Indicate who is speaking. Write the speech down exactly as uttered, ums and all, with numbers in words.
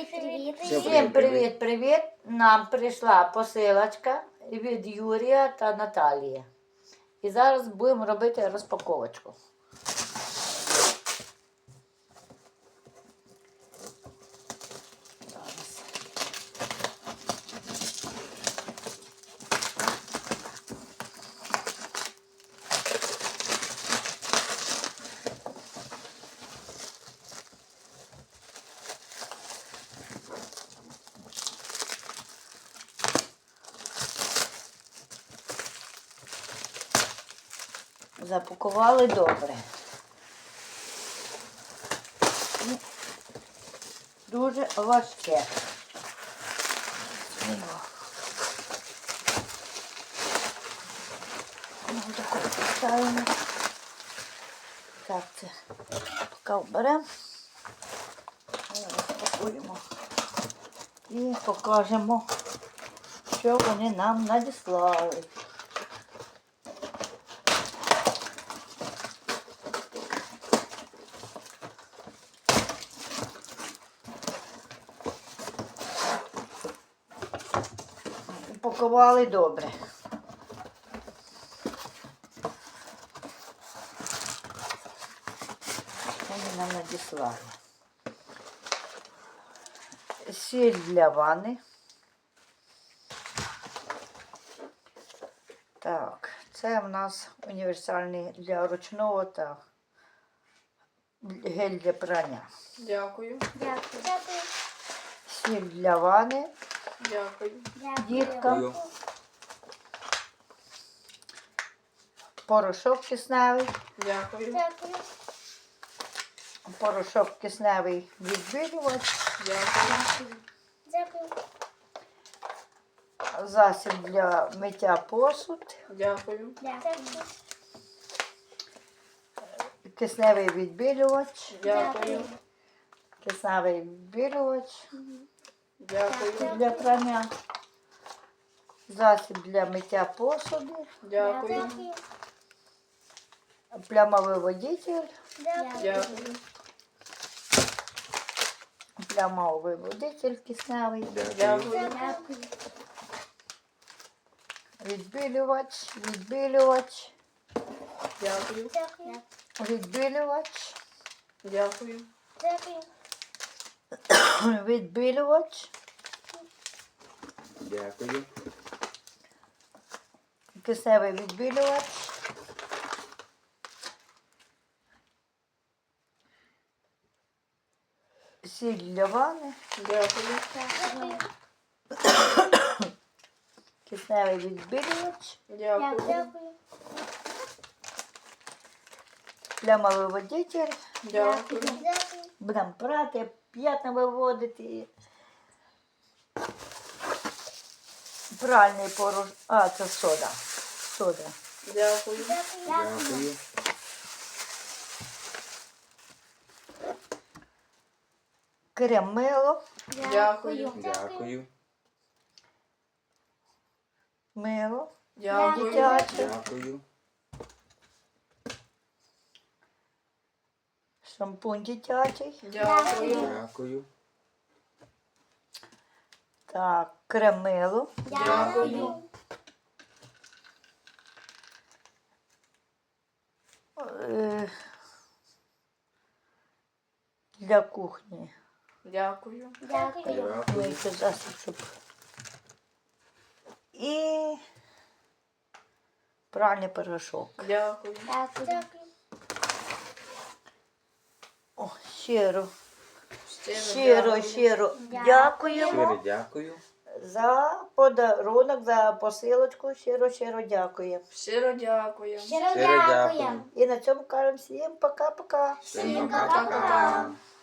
Speaker 1: Привіт, привіт.
Speaker 2: Всім привіт-привіт! Нам прийшла посилочка від Юрія та Наталії. І зараз будемо робити розпаковочку. Зараз. Запакували добре. І дуже важке. Ну, таку поставимо. Так, це поки вберемо. Розпакуємо. І покажемо, що вони нам надіслали. Упакували добре. Вони нам надіслали. Сіль для ванни. Так, це в нас універсальний для ручного та гель для прання.
Speaker 3: Дякую.
Speaker 1: Дякую. Дякую.
Speaker 2: Сіль для ванни.
Speaker 3: Дякую.
Speaker 2: Діткам. Порошок кисневий.
Speaker 3: Дякую.
Speaker 1: Дякую.
Speaker 2: Порошок кисневий відбілювач.
Speaker 3: Дякую.
Speaker 1: Дякую.
Speaker 2: Засіб для миття посуд.
Speaker 3: Дякую.
Speaker 1: Дякую.
Speaker 2: Кисневий відбілювач.
Speaker 3: Дякую.
Speaker 2: Кисневий відбілювач
Speaker 3: Дякую.
Speaker 2: для прання. Засіб для миття посуду.
Speaker 3: Дякую.
Speaker 1: Дякую.
Speaker 2: Плямовиводитель.
Speaker 3: Дякую.
Speaker 2: Плямовиводитель кисневий.
Speaker 3: Дякую.
Speaker 1: Дякую.
Speaker 2: Відбілювач. Відбілювач.
Speaker 3: Дякую.
Speaker 1: Дякую.
Speaker 2: Відбілювач.
Speaker 3: Дякую.
Speaker 1: Дякую.
Speaker 2: Відбілювач.
Speaker 4: Дякую.
Speaker 2: Кисневий відбілювач. Сіль для ванни.
Speaker 3: Дякую.
Speaker 1: Дякую.
Speaker 2: Кисневий відбілювач.
Speaker 3: Дякую.
Speaker 1: Дякую.
Speaker 2: Плямовиводитель.
Speaker 3: Дякую.
Speaker 1: Дякую.
Speaker 2: Будемо прати, п'ятна виводити. Пральний поруч. А, це сода. Сода.
Speaker 3: Дякую.
Speaker 1: Дякую.
Speaker 4: Дякую.
Speaker 2: Крем мило.
Speaker 3: Дякую.
Speaker 4: Дякую.
Speaker 2: Мило.
Speaker 3: Дякую.
Speaker 2: Дитяче.
Speaker 4: Дякую.
Speaker 2: Шампунь дитячий.
Speaker 3: Дякую.
Speaker 4: Дякую.
Speaker 2: Так, крем мило.
Speaker 3: Дякую.
Speaker 2: Е, Для кухні.
Speaker 3: Дякую.
Speaker 1: Дякую.
Speaker 4: Дякую.
Speaker 2: Мийте засіб, щоб. І пральний порошок.
Speaker 3: Дякую.
Speaker 1: Дякую.
Speaker 2: О, щиро,
Speaker 3: Щиро
Speaker 2: щиро,
Speaker 3: дякую.
Speaker 2: щиро
Speaker 1: Дякую.
Speaker 2: дякуємо
Speaker 4: Щиро дякую.
Speaker 2: за подарунок, за посилочку. Щиро, щиро дякуємо.
Speaker 3: Щиро дякую.
Speaker 1: Щиро
Speaker 4: Щиро
Speaker 1: дякую.
Speaker 4: дякую.
Speaker 2: І на цьому кажемо всім пока-пока.
Speaker 4: Всім пока-пока.